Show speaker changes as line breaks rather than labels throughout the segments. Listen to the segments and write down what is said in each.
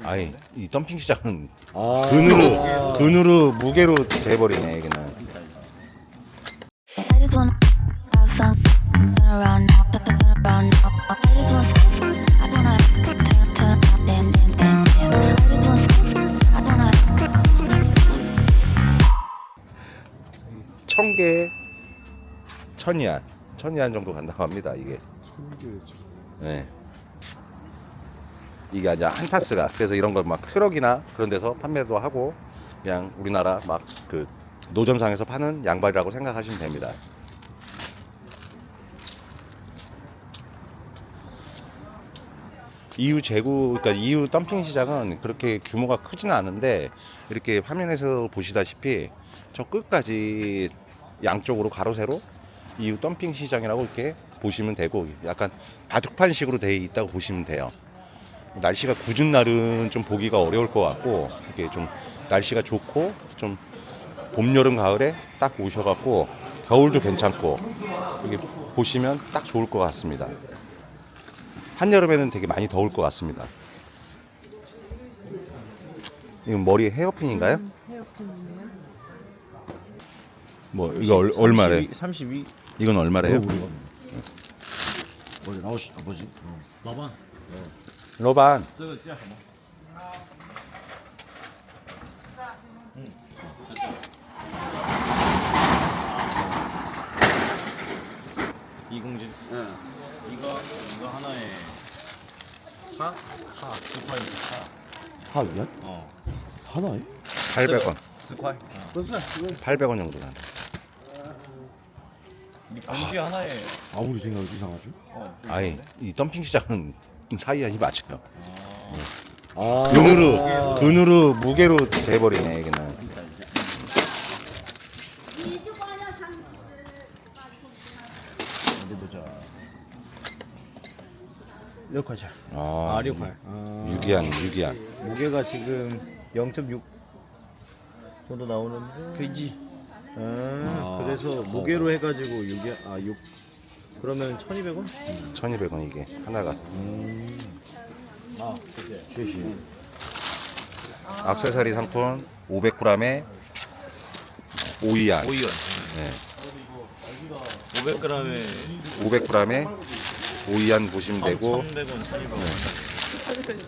아니 이 덤핑 시장은
아.
근으로 무게로 재버리네 여기는.
I just wanna have fun, turn around now, turn around now. I just wanna, I wanna turn around, dance, dance, dance, dance. I just wanna, I wanna.
천개 천이안 정도 간다고 합니다 이게. 네. 이게 아니라 한 타스가. 그래서 이런 걸 막 트럭이나 그런 데서 판매도 하고 그냥 우리나라 막 그 노점상에서 파는 양발이라고 생각하시면 됩니다. EU 재고, 그러니까 EU 덤핑 시장은 그렇게 규모가 크지는 않은데 이렇게 화면에서 보시다시피 저 끝까지 양쪽으로 가로 세로 EU 덤핑 시장이라고 이렇게 보시면 되고 약간 바둑판식으로 되어 있다고 보시면 돼요. 날씨가 궂은 날은 좀 보기가 어려울 것 같고 이렇게 좀 날씨가 좋고 좀 봄, 여름, 가을에 딱 오셔갖고 겨울도 괜찮고 여기 보시면 딱 좋을 것 같습니다. 한여름에는 되게 많이 더울 것 같습니다. 이건 머리 헤어핀인가요?
헤어핀이요?
뭐 이거 얼마래?
32.
이건 얼마래요?
뭐지 라오시 뭐지?
라반.
로반
这个价什么？
이공진.
응. 이거 하나에 4 4
4위야?
어.
하나에?
800원.
4块.
800원 정도 나.
이 봉지 하나에
아무리 생각해도 이상하죠?
아니 이 덤핑 시장은 사이안이 맞아요.
아.
근으로 무게로 재버리네 여기는.
어디 보자. 6块钱.
아,
6块.
유기한.
무게가 지금 0.6 정도 나오는데.
돼지.
그래서 무게로 해가지고 6 그러면 1,200원?
1,200원 이게 하나가.
아, 그게.
쉐시.
액세서리 상품 500g에 5위안.
5위원.
네.
500g에
500g에 5위안 보시면 되고
1,100원, 1,200원.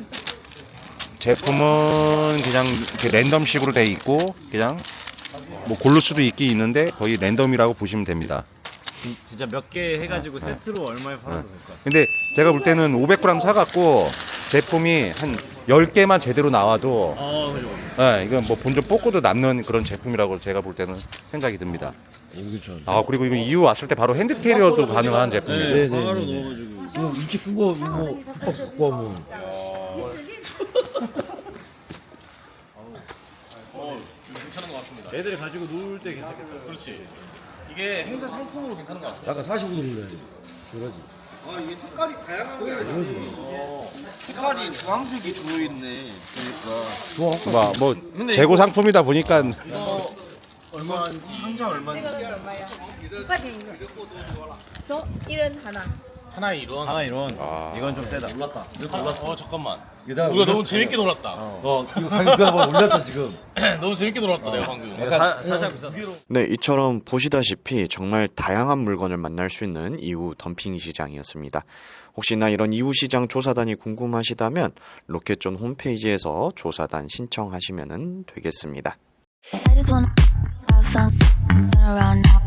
제품은 그냥 이렇게 랜덤식으로 돼 있고 그냥 뭐 고를 수도 있긴 있는데 거의 랜덤이라고 보시면 됩니다.
진짜 몇 개 해가지고 세트로 얼마에 팔아도 될까?
근데 제가 볼 때는 500g 사갖고 제품이 한 10개만 제대로 나와도
그죠.
네, 이건 뭐 본전 뽑고도 남는 그런 제품이라고 제가 볼 때는 생각이 듭니다.
그렇죠.
아 그리고 이거 EU 왔을 때 바로 핸드 캐리어도 가능한 제품이에요.
네,
바로
네.
넣어가지고.
이거 이렇게 큰 거 이거 박스 갖고 하면
괜찮은 것 같습니다.
애들이 가지고 놀 때 괜찮겠다.
그렇지. 이게 행사 상품으로 괜찮은 것 같아요.
약간 45도 눌러야 돼. 그러지.
색깔이 주황색이 주로 있네. 그러니까
좋아.
뭐 재고 상품이다 보니까
얼마 상자 얼마?
저 1은 하나.
하나에 이런. 하나 이런.
이건 좀 세다.
몰랐다. 몰랐어. 잠깐만.
이거
우리가 너무 재밌게 놀았다.
이거 가격 한번 올렸어 지금.
너무 재밌게 놀았다 내가 방금.
살짝 비싸.
네, 이처럼 보시다시피 정말 다양한 물건을 만날 수 있는 이우 덤핑 시장이었습니다. 혹시나 이런 이우 시장 조사단이 궁금하시다면 로켓존 홈페이지에서 조사단 신청하시면 되겠습니다.
I just wanna have fun, turn around now,